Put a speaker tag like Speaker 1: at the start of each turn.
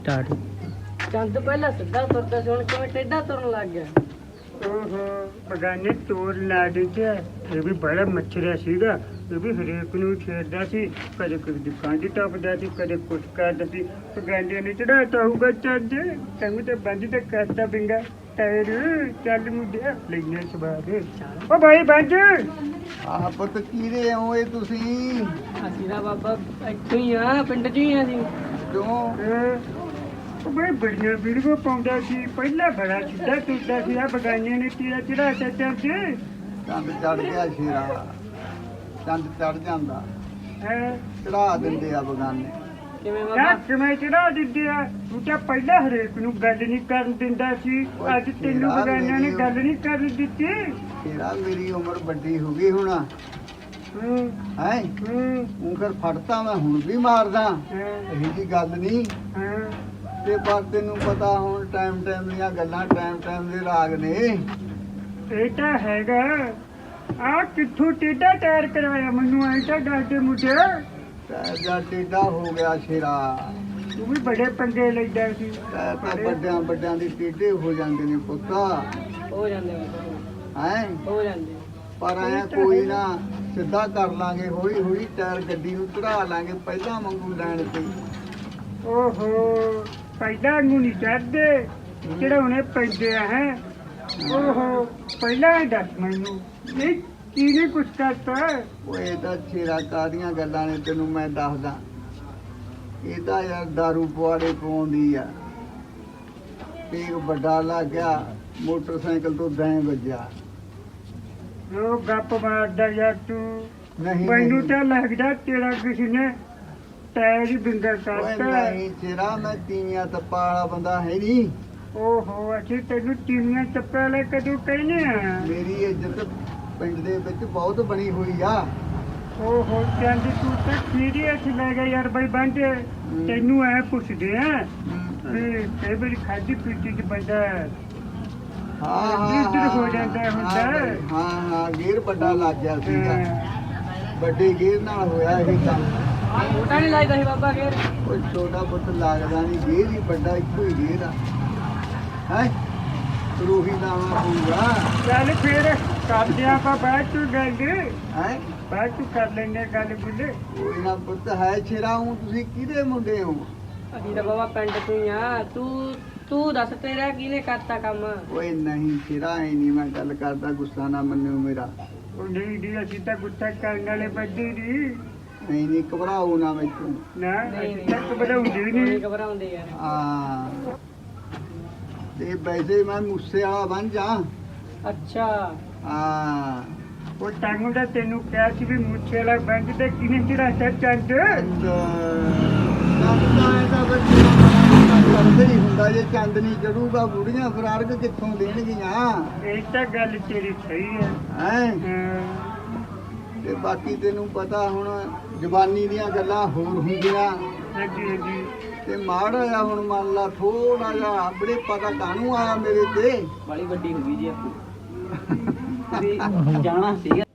Speaker 1: Start.
Speaker 2: ਚੰਦ ਪਹਿਲਾਂ ਸਿੱਧਾ ਤੁਰਦਾ ਸੀ, ਹੁਣ ਕਿਵੇਂ ਟੇਢਾ ਤੁਰਨ ਲੱਗ ਗਿਆ?
Speaker 3: ਓਹੋ ਬਗਾਨੇ ਤੋਰ ਲਾ ਦਿੱਤਾ। ਇਹ ਵੀ ਬੜਾ ਮੱਛਰਿਆ ਸੀਗਾ, ਇਹ ਵੀ ਹਰੇਕ ਨੂੰ ਛੇੜਦਾ ਸੀ, ਕਦੇ ਕੋਈ ਦੁਕਾਨ ਦੀ ਟੱਪਦਾ ਸੀ, ਕਦੇ ਕੁਛ ਕਰਦਾ ਸੀ। ਬਗਾਨੇ ਨੇ ਚੜਾਤਾ ਹੋਊਗਾ ਚੰਦ, ਤੈਨੂੰ ਤਾਂ ਬੰਦ ਤੇ ਕਰਤਾ ਬਿੰਗਾ ਟਾਇਰ। ਚੱਲ ਮੁੰਡਿਆ ਲੈਣੇ ਸਵਾਦ। ਓ ਭਾਈ ਬੰਦ
Speaker 4: ਆਹ ਪੁੱਤ ਕੀਰੇ ਆਓ ਇਹ ਤੁਸੀਂ
Speaker 2: ਅਸੀਂ ਤਾਂ ਬਾਬਾ ਇੱਥੋਂ ਹੀ ਆ, ਪਿੰਡ 'ਚ ਹੀ ਆ ਅਸੀਂ।
Speaker 4: ਕਿਉਂ?
Speaker 3: ਉਹ ਬਈ ਬੜੀਆਂ ਵੀਡੀਓ ਪਾਉਂਦਾ ਸੀ, ਪਹਿਲਾਂ ਬੜਾ ਸਿੱਧਾ ਤੁਰਦਾ ਸੀ। ਆ ਬਗਾਨੇ ਨੇ ਤੀਰਾ ਚੜਾਤਾ ਚੰਦ।
Speaker 4: ਚੰਦ ਚੜ ਗਿਆ ਸ਼ੇਰਾ, ਚੰਦ ਚੜ ਜਾਂਦਾ,
Speaker 3: ਹੈ
Speaker 4: ਚੜਾ ਦਿੰਦੇ ਆ ਬਗਾਨੇ।
Speaker 2: ਕਿਵੇਂ
Speaker 3: ਨਾ
Speaker 2: ਬਾਬਾ?
Speaker 3: ਕਿਵੇਂ ਚੜਾ ਦਿੰਦੇ ਆ? ਤੂੰ ਤਾਂ ਪਹਿਲਾਂ ਹਰੇਕ ਨੂੰ ਗੱਲ ਨਹੀਂ ਕਰਨ ਦਿੰਦਾ ਸੀ, ਅੱਜ ਤੈਨੂੰ ਬਗਾਨਿਆਂ ਨੇ ਗੱਲ ਨਹੀਂ ਕਰਨ ਦਿੱਤੀ।
Speaker 4: ਸ਼ੇਰਾ ਮੇਰੀ ਉਮਰ ਵੱਡੀ ਹੋ ਗਈ ਹੁਣ,
Speaker 3: ਹੂੰ
Speaker 4: ਹੈ
Speaker 3: ਹੂੰ
Speaker 4: ਉਹ ਫਿਰ ਫੜਤਾ ਮੈਂ ਹੁਣ ਵੀ ਮਾਰਦਾ, ਇਹੀ ਜੀ ਗੱਲ ਨਹੀਂ।
Speaker 3: ਹਾਂ
Speaker 4: ਤੇ ਪਰ ਤੈਨੂੰ ਪਤਾ ਹੁਣ ਟਾਈਮ ਟਾਈਮ ਦੀਆਂ ਗੱਲਾਂ, ਟਾਈਮ ਟਾਈਮ ਦੇ ਰਾਗ ਨੇ।
Speaker 3: ਇਹ ਤਾਂ ਹੈਗਾ। ਆ ਕਿੱਥੋਂ ਟੇਢਾ ਟਾਇਰ ਕਰਵਾਇਆ ਮੈਨੂੰ? ਐ ਤਾਂ ਡਾਡੇ ਮੁੰਡੇ
Speaker 4: ਟਾਇਰ ਦਾ ਟੇਢਾ ਹੋ ਗਿਆ ਸ਼ੇਰਾ।
Speaker 3: ਤੂੰ ਵੀ ਬੜੇ ਪੰਗੇ ਲੈਂਦਾ ਸੀ।
Speaker 4: ਟਾਇਰ ਤਾਂ ਵੱਡਿਆਂ ਵੱਡਿਆਂ ਦੇ ਟੇਢੇ ਹੋ ਜਾਂਦੇ ਨੇ ਪੁੱਤਾ,
Speaker 2: ਹੋ ਜਾਂਦੇ ਬਾਬਾ,
Speaker 4: ਹੈ
Speaker 2: ਹੋ ਜਾਂਦੇ।
Speaker 4: ਪਰ ਐ ਕੋਈ ਨਾ, ਸਿੱਧਾ ਕਰ ਲਾਂਗੇ ਹੌਲੀ ਹੌਲੀ, ਟਾਇਰ ਗੱਡੀ ਨੂੰ ਚੜਾ ਲਾਂਗੇ ਪਹਿਲਾਂ ਵਾਂਗੂ ਲੈਣ ਤੇ।
Speaker 3: ਓਹੋ ਪਹਿਲਾਂ ਨੂੰ ਨਹੀਂ ਚੜਦੇ, ਚੜਾਉਣੇ ਪੈਂਦੇ ਆ। ਹੈ ਓਹੋ ਪਹਿਲਾਂ ਹੀ ਦੱਸ ਮੈਨੂੰ, ਇਹ ਕਿਹਨੇ ਕੁਛ ਕਰਤਾ?
Speaker 4: ਓਏ ਤਾਂ ਛੇਰਾ ਕਾਦੀਆਂ ਗੱਲਾਂ ਨੇ ਤੈਨੂੰ ਮੈਂ ਦੱਸਦਾ। ਇਹ ਤਾਂ ਯਾਰ ਦਾਰੂ ਪੁਆੜੇ ਪਾਉਂਦੀ ਆ। ਇੱਕ ਵੱਡਾ ਲੱਗ ਗਿਆ, ਮੋਟਰਸਾਈਕਲ ਤੋਂ ਦੈਂ ਵੱਜਿਆ।
Speaker 3: ਉਹ ਗੱਪ ਮਾਰਦਾ ਯਾਰ ਤੂੰ।
Speaker 4: ਨਹੀਂ
Speaker 3: ਮੈਨੂੰ
Speaker 4: ਨਹੀਂ।
Speaker 3: ਤਾਂ ਲੱਗਦਾ ਤੇਰਾ ਕਿਸੇ ਨੇ ਟਾਇਰ ਹੀ ਬਿੰਗਾ
Speaker 4: ਓਏ
Speaker 3: ਕਰਤਾ।
Speaker 4: ਨਹੀਂ ਛੇਰਾ, ਮੈਂ ਤੀਵੀਆਂ ਤੱਪਾ ਵਾਲਾ ਬੰਦਾ ਹੈ ਨਹੀਂ।
Speaker 3: ਓਹੋ ਅਸੀਂ ਤੈਨੂੰ ਟੀਵੀਆਂ ਚੱਪਾ ਲੈ ਕਦੋਂ ਕਹਿੰਦੇ ਆ?
Speaker 4: ਮੇਰੀ ਇੱਜ਼ਤ ਪਿੰਡ ਦੇ ਵਿੱਚ ਬਹੁਤ ਬਣੀ ਹੋਈ ਆ।
Speaker 3: ਓਹੋ ਚੰਦ ਤੂੰ ਤਾਂ ਸੀਰੀਅਸ ਲੈ ਗਿਆ ਯਾਰ। ਬਈ ਬੰਦ ਤੈਨੂੰ ਐ ਪੁੱਛਦੇ ਆ ਵੀ ਕਈ ਵਾਰੀ ਖਾਦੀ ਪੀਤੀ ਚ ਬੰਦਾ ਲੀਡਰ ਹੋ ਜਾਂਦਾ ਹੁੰਦਾ।
Speaker 4: ਹਾਂ ਹਾਂ, ਗੇਰ ਵੱਡਾ ਲੱਗ ਗਿਆ ਸੀਗਾ, ਵੱਡੇ ਗੇਰ ਨਾਲ ਹੋਇਆ ਇਹ ਕੰਮ।
Speaker 2: ਮੋਟਾ ਨਹੀਂ ਲੱਗਦਾ ਸੀ ਬਾਬਾ ਫੇਰ?
Speaker 4: ਕੋਈ ਛੋਟਾ ਪੁੱਤ ਲੱਗਦਾ ਨਹੀਂ, ਗੇਰ ਹੀ ਵੱਡਾ, ਇੱਕੋ ਹੀ ਗੇਰ ਆ। ਹੈ ਰੂਹੀ ਲਾਉਣਾ ਪਊਗਾ।
Speaker 3: ਚੱਲ ਫਿਰ ਕਰਦੇ ਆਪਾਂ ਬਾਅਦ ਚ ਗੱਲ,
Speaker 4: ਹੈ
Speaker 3: ਬਾਅਦ ਚ ਕਰ ਲੈਂਦੇ ਗੱਲ ਬੁੱਲੇ।
Speaker 4: ਕੋਈ ਨਾ ਪੁੱਤ ਹੈ ਛੇਰਾ। ਹੂੰ ਤੁਸੀਂ ਕਿਹਦੇ ਮੁੰਡੇ ਹੋ?
Speaker 2: ਅਸੀਂ ਤਾਂ ਬਾਬਾ ਪਿੰਡ 'ਚ ਹੀ ਆ। ਤੂੰ ਦੱਸ ਤੇਰਾ ਕਿਹਨੇ ਕਰਤਾ ਕੰਮ?
Speaker 4: ਓਏ ਨਹੀਂ ਛੇਰਾ, ਐ ਨਹੀਂ ਮੈਂ ਗੱਲ ਕਰਦਾ, ਗੁੱਸਾ ਨਾ ਮੰਨਿਓ ਮੇਰਾ।
Speaker 3: ਉਹ ਨਹੀਂ ਦੀ ਅਸੀਂ ਤਾਂ ਗੁੱਸਾ ਕਰਨ ਵਾਲੇ ਬੰਦੇ ਨਹੀਂ।
Speaker 4: ਨਹੀਂ ਨਹੀਂ, ਘਬਰਾਓ ਨਾ ਮੈਨੂੰ।
Speaker 3: ਨਾ
Speaker 2: ਨਹੀਂ,
Speaker 3: ਅਸੀਂ ਤਾਂ ਘਬਰਾਉਂਦੇ
Speaker 2: ਨਹੀਂ
Speaker 3: ਨਹੀਂ।
Speaker 2: ਘਬਰਾਉਂਦੇ ਯਾਰ।
Speaker 4: ਹਾਂ ਤੇ ਵੈਸੇ ਮੈਂ ਮੂਸੇ ਵਾਲਾ ਬਣ ਜਾ।
Speaker 2: ਅੱਛਾ
Speaker 4: ਹਾਂ
Speaker 3: ਉਹ ਟਾਂਗੂ ਦਾ ਤੈਨੂੰ ਕਿਹਾ ਸੀ ਵੀ ਮੁੱਛੇ ਵਾਲਾ ਬੰਦ ਤੇ ਕਿਨੇ ਚੜਾਤਾ ਚੰਦ।
Speaker 4: ਚੰਦ ਦਾ ਬੱਚਾ ਕਰਦੇ ਹੀ ਹੁੰਦਾ, ਜੇ ਚੰਦ ਨਹੀਂ ਚੜੂਗਾ ਬੁੜੀਆਂ ਫਰਾਰਕ ਕਿੱਥੋਂ ਦੇਣਗੀਆਂ?
Speaker 3: ਇਹ ਤਾਂ ਗੱਲ ਤੇਰੀ ਸਹੀ ਹੈ।
Speaker 4: ਹੈ
Speaker 3: ਹਾਂ,
Speaker 4: ਤੇ ਬਾਕੀ ਤੈਨੂੰ ਪਤਾ ਹੁਣ ਜਵਾਨੀ ਦੀਆਂ ਗੱਲਾਂ ਹੋਰ ਹੁੰਦੀਆਂ,
Speaker 3: ਹਾਂਜੀ ਹਾਂਜੀ।
Speaker 4: ਤੇ ਮਾੜਾ ਜਿਹਾ ਹੁਣ ਮੰਨ ਲਾ ਥੋੜਾ ਜਿਹਾ ਬੜੇ ਪਤਾ ਕਾਹਨੂੰ ਆਇਆ ਮੇਰੇ ਤੇ।
Speaker 2: ਬੜੀ ਵੱਡੀ ਹੋ ਗਈ ਜੀ ਆਪਣੀ। ਜਾਣਾ ਸੀਗਾ।